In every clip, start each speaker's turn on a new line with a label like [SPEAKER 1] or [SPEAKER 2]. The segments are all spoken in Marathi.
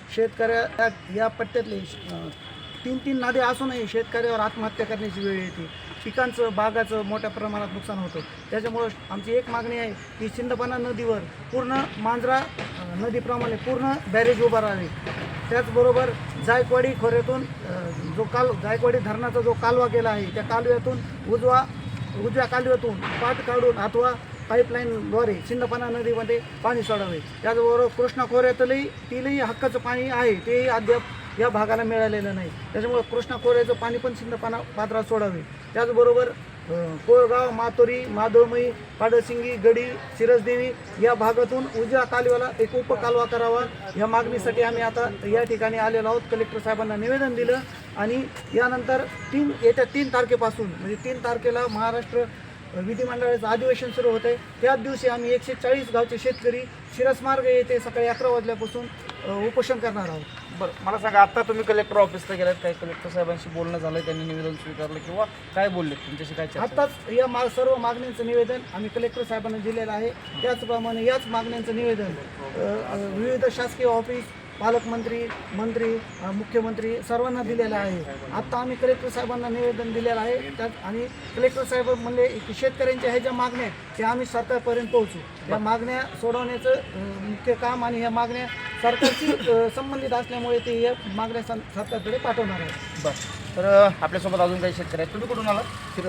[SPEAKER 1] शेतकऱ्या या पट्ट्यातले 3-3 नद्या असूनही शेतकऱ्यावर आत्महत्या करण्याची वेळ येते. पिकांचं बागाचं मोठ्या प्रमाणात नुकसान होतं. त्याच्यामुळं आमची एक मागणी आहे की सिंदफणा नदीवर पूर्ण मांजरा नदीप्रमाणे पूर्ण बॅरेज उभा राहावे. त्याचबरोबर जायकवाडी खोऱ्यातून जायकवाडी धरणाचा जो कालवा गेला आहे त्या कालव्यातून उजव्या कालव्यातून पाट काढून अथवा पाईपलाईनद्वारे सिंदफणा नदीमध्ये पाणी सोडावे. त्याचबरोबर कृष्णा खोऱ्यातलंही हक्काचं पाणी आहे तेही अद्याप या भागाला मिळालेलं नाही. त्याच्यामुळे कृष्णा खोऱ्याचं पाणी पण सिंदफणा पात्रात सोडावे. त्याचबरोबर कोळगाव, मातोरी, मादोळमई, पाडसिंगी, गडी, सिरसदेवी या भागातून उजव्या कालव्याला एक उपकालवा करावा. या मागणीसाठी आम्ही आता या ठिकाणी आलेलो आहोत. कलेक्टर साहेबांना निवेदन दिलं आणि यानंतर येत्या 3 तारखेपासून म्हणजे 3 तारखेला महाराष्ट्र विधिमंडळाचं अधिवेशन सुरू होत आहे. त्याच दिवशी आम्ही 140 गावचे शेतकरी शिरसमार्ग येथे सकाळी 11 वाजल्यापासून उपोषण करणार आहोत.
[SPEAKER 2] बरं, मला सांगा, आता तुम्ही कलेक्टर ऑफिसला गेलात, काही कलेक्टर साहेबांशी बोलणं झालं, त्यांनी निवेदन स्वीकारलं किंवा काय बोलले, तुमच्याशी काय चर्चा?
[SPEAKER 1] आत्ताच या सर्व मागण्यांचं निवेदन आम्ही कलेक्टर साहेबांना दिलेलं आहे. त्याचप्रमाणे याच मागण्यांचं निवेदन विविध शासकीय ऑफिस, पालकमंत्री, मंत्री, मुख्यमंत्री सर्वांना दिलेलं आहे. आत्ता आम्ही कलेक्टर साहेबांना निवेदन दिलेलं आहे. त्यात आणि कलेक्टर साहेब म्हणले की शेतकऱ्यांच्या ह्या ज्या मागण्या आहेत त्या आम्ही सरकारपर्यंत पोहोचू. या मागण्या सोडवण्याचं मुख्य काम आणि ह्या मागण्या सरकारशी संबंधित असल्यामुळे ते या मागण्या सरकारकडे पाठवणार आहे.
[SPEAKER 2] बरं, तर आपल्यासोबत अजून काही शेतकरी आहेत. तुम्ही कुठून आला?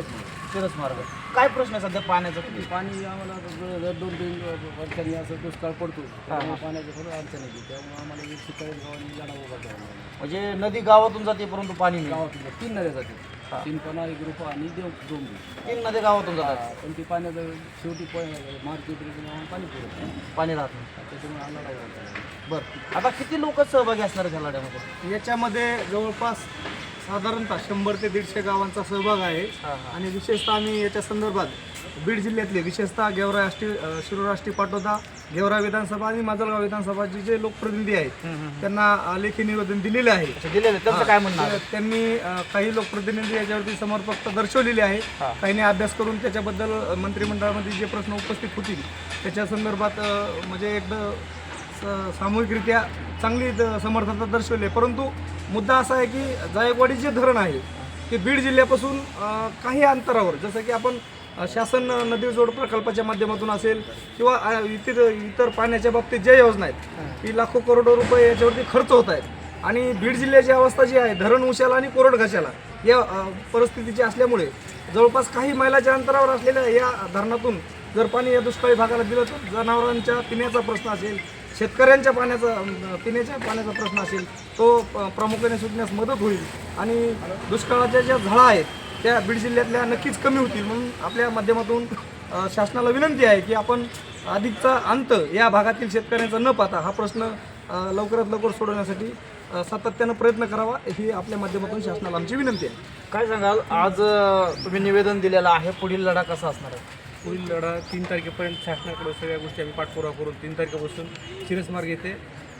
[SPEAKER 2] शिरस मार्ग. काय प्रश्न आहे सध्या पाण्याचा?
[SPEAKER 3] पाणी आम्हाला 2-3 वर्षांनी असं दुष्काळ पडतो, त्यामुळे पाण्याचं थोडं अडचण येते. त्यामुळे आम्हाला 140 गावांनी गाडा उभा करावा लागला.
[SPEAKER 2] म्हणजे नदी गावातून जाते परंतु पाणी नाही.
[SPEAKER 3] गावातून 3 नद्या जाते, सिंदफणा, एक रूपा आणि डोंबरी.
[SPEAKER 2] 3 नद्या गावातून जातात,
[SPEAKER 3] पण ती पाण्याचं शेवटी मार्केट पाणी पुरत
[SPEAKER 2] पाणी राहत नाही.
[SPEAKER 3] त्याच्यामुळे आम्हाला
[SPEAKER 2] बरं, आता किती लोक सहभागी असणार आहेत ह्या लढ्यामध्ये?
[SPEAKER 4] याच्यामध्ये जवळपास साधारणतः 100 ते 150 गावांचा सहभाग आहे. आणि विशेषतः आम्ही याच्या संदर्भात बीड जिल्ह्यातले विशेषतः गेवराई शिरूर आष्टी पाटोदा, गेवराई विधानसभा आणि माजलगाव विधानसभाचे जे लोकप्रतिनिधी आहेत त्यांना लेखी निवेदन दिलेले आहे.
[SPEAKER 2] त्यांचं काय म्हणणं आहे?
[SPEAKER 4] त्यांनी काही लोकप्रतिनिधी याच्यावरती समर्पकता दर्शवलेली आहे. काहींनी अभ्यास करून त्याच्याबद्दल मंत्रिमंडळामध्ये जे प्रश्न उपस्थित होतील त्याच्या संदर्भात म्हणजे एकदा सामूहिकरित्या चांगली समर्थता दर्शवली. परंतु मुद्दा असा आहे की जायकवाडी जे धरण आहे ते बीड जिल्ह्यापासून काही अंतरावर, जसं की आपण शासन नदी जोड प्रकल्पाच्या माध्यमातून असेल किंवा इतर पाण्याच्या बाबतीत ज्या योजना आहेत की लाखो करोडो रुपये याच्यावरती खर्च होत आहेत. आणि बीड जिल्ह्याची अवस्था जी आहे धरण उशाला आणि कोरड घशाला या परिस्थितीची असल्यामुळे जवळपास काही मैलाच्या अंतरावर असलेल्या या धरणातून जर पाणी या दुष्काळी भागाला दिलं तर जनावरांच्या पिण्याचा प्रश्न असेल, शेतकऱ्यांच्या पिण्याच्या पाण्याचा प्रश्न असेल तो प्रामुख्याने सुटण्यास मदत होईल आणि दुष्काळाच्या ज्या झळा आहेत त्या बीड जिल्ह्यातल्या नक्कीच कमी होतील. म्हणून आपल्या माध्यमातून शासनाला विनंती आहे की आपण अधिकचा अंत या भागातील शेतकऱ्यांचा न पाहता हा प्रश्न लवकरात लवकर सोडवण्यासाठी सातत्यानं प्रयत्न करावा ही आपल्या माध्यमातून शासनाला आमची विनंती आहे.
[SPEAKER 2] काय सांगाल, आज तुम्ही निवेदन दिलेलं आहे, पुढील लढा कसा असणार आहे?
[SPEAKER 5] पुढील लढा 3 तारखेपर्यंत शासनाकडे सगळ्या गोष्टी आम्ही पाठपुरावा करून 3 तारखेपासून शिरसमार्ग येथे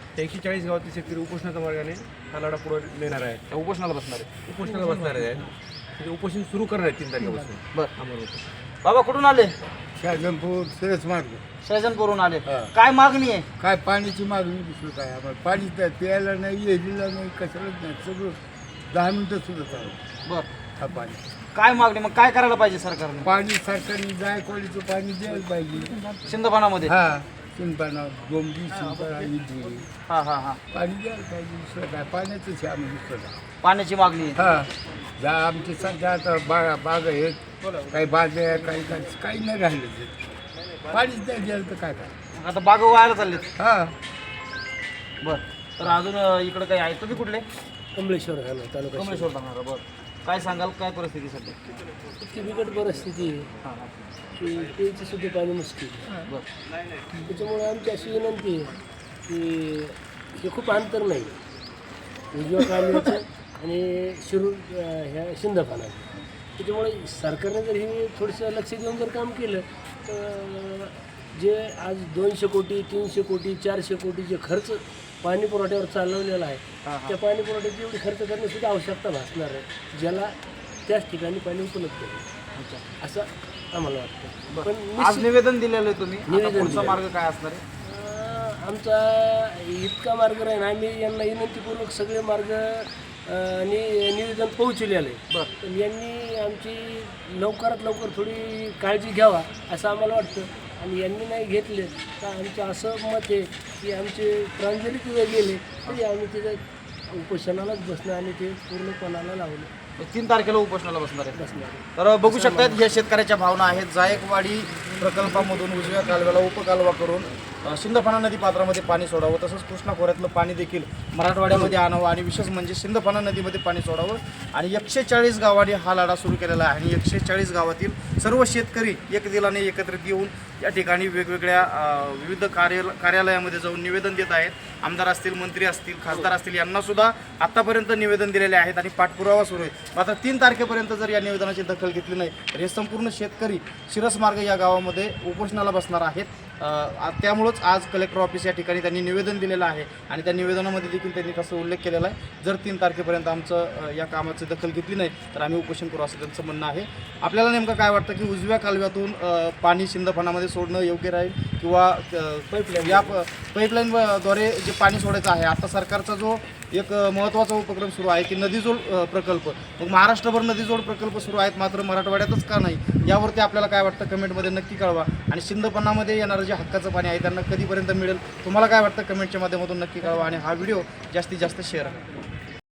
[SPEAKER 5] 140 गावातील शेतकरी उपोषणाच्या मार्गाने हा लढा पुढे नेणार आहे.
[SPEAKER 2] उपोषणाला बसणार आहे.
[SPEAKER 5] उपोषणाला बसणार आहे. म्हणजे उपोषण सुरू करणार आहे 3 तारखेपासून.
[SPEAKER 2] बरं,
[SPEAKER 5] आम्हाला
[SPEAKER 2] बाबा कुठून आले?
[SPEAKER 6] शाहजहानपूर शिरसमार्ग.
[SPEAKER 2] शेजनपूरून आले. काय मागणी आहे?
[SPEAKER 6] काय पाण्याची मागणी दुसरं काय आम्हाला पाणी प्यायला नाही, येरीला नाही, कशालाच नाही. सगळं 10 मिनटं सुद्धा चालू
[SPEAKER 2] बरं,
[SPEAKER 6] हा पाणी.
[SPEAKER 2] काय मागणी मग काय करायला पाहिजे सरकारने?
[SPEAKER 6] पाणी सरकारने जायकवाडीचं पाणी द्यायला पाहिजे.
[SPEAKER 2] सिंदफणामध्ये
[SPEAKER 6] सिंदफणा, डोंबरी, सिंदफणा, इडली पाणी द्यायला पाहिजे. दुसरं काय पाण्याचंच आहे आम्ही दुसरं काय.
[SPEAKER 2] पाण्याची मागणी आहे.
[SPEAKER 6] ज्या आमचे सध्या आता बाग आहेत, काही बाज्या काही नाही राहिलं ते. पाणीच नाही द्यायला तर काय काय.
[SPEAKER 2] आता बाग व्हायला चाललेत. बरं, तर अजून इकडे काही आहे? तुम्ही कुठले?
[SPEAKER 3] कमलेश्वर झालं तालुका.
[SPEAKER 2] कमलेश्वर जाणार. बरं, काय सांगाल, काय परिस्थिती सध्या?
[SPEAKER 3] इतकी बिकट परिस्थिती आहे की प्यायचं सुद्धा पाणी मुश्किल.
[SPEAKER 2] बरं,
[SPEAKER 3] त्याच्यामुळे आमची अशी विनंती आहे की हे खूप अंतर नाही उजव्या कालव्याचं आणि शिरूर ह्या सिंदफणाचं. त्याच्यामुळे सरकारने जर हे थोडंसं लक्ष देऊन जर काम केलं तर जे आज 200 कोटी 300 कोटी 400 कोटी जे खर्च पाणी पुरवठ्यावर चालवलेला आहे त्या पाणी पुरवठ्याची एवढी खर्च करण्याची आवश्यकता भासणार आहे ज्याला त्याच ठिकाणी पाणी उपलब्ध होईल असं आम्हाला वाटतं. पण
[SPEAKER 2] आज निवेदन दिलेलं आहे तुम्ही,
[SPEAKER 3] निवेदन
[SPEAKER 2] पुढचा
[SPEAKER 3] दिलेलं.
[SPEAKER 2] मार्ग काय असणार आहे?
[SPEAKER 3] आमचा इतका मार्ग राहील, आम्ही यांना विनंतीपूर्वक सगळे मार्ग निवेदन पोहोचवलेलं आहे. पण यांनी आमची लवकरात लवकर थोडी काळजी घ्यावा असं आम्हाला वाटतं. आणि यांनी नाही घेतले तर आमचं असं मत आहे की आमचे प्रांजली तिथे गेले तरी आम्ही तिथे उपोषणालाच बसणं आणि ते पूर्णपणाला लावलं
[SPEAKER 2] 3 तारखेला उपोषणाला बसणार आहे.
[SPEAKER 3] बसणार.
[SPEAKER 2] तर बघू शकतात ह्या शेतकऱ्याच्या भावना आहेत. जायकवाडी प्रकल्पामधून उजव्या कालव्याला उपकालवा करून सिंदफणा नदी पात्रामध्ये पाणी सोडावं, तसंच कृष्णा खोऱ्यातलं पाणी देखील मराठवाड्यामध्ये आणावं आणि विशेष म्हणजे सिंदफणा नदीमध्ये पाणी सोडावं. आणि 140 गावांनी हा लढा सुरू केलेला आहे आणि 140 गावातील सर्व शेतकरी एक दिलाने एकत्रित येऊन या ठिकाणी वेगवेगळ्या विविध कार्यालयामध्ये जाऊन निवेदन देत आहेत. आमदार असतील, मंत्री असतील, खासदार असतील, यांनासुद्धा आत्तापर्यंत निवेदन दिलेले आहेत आणि पाठपुरावा सुरू आहे. मात्र 3 तारखेपर्यंत जर या निवेदनाची दखल घेतली नाही तर हे संपूर्ण शेतकरी शिरसमार्ग या गावामध्ये उपोषणाला बसणार आहेत. त्यामुळंच आज कलेक्टर ऑफिस या ठिकाणी त्यांनी निवेदन दिलेलं आहे आणि त्या निवेदनामध्ये देखील त्यांनी तसं उल्लेख केलेला आहे, जर 3 तारखेपर्यंत आमचं या कामाची दखल घेतली नाही तर आम्ही उपोषण करू असं त्यांचं म्हणणं आहे. आपल्याला नेमकं काय वाटतं की उजव्या कालव्यातून पाणी सिंदफणामध्ये सोडणं योग्य राहील किंवा पाईपलाईनद्वारे जे पाणी सोडायचं आहे, आता सरकारचा जो एक महत्त्वाचा उपक्रम सुरू आहे की नदीजोड प्रकल्प, मग महाराष्ट्रभर नदीजोड प्रकल्प सुरू आहेत मात्र मराठवाड्यातच का नाही, यावरती आपल्याला काय वाटतं कमेंटमध्ये नक्की कळवा. आणि सिंदफणामध्ये येणारं जे हक्काचं पाणी आहे त्यांना कधीपर्यंत मिळेल, तुम्हाला काय वाटतं कमेंटच्या माध्यमातून नक्की कळवा आणि हा व्हिडिओ जास्तीत जास्त शेअर करा.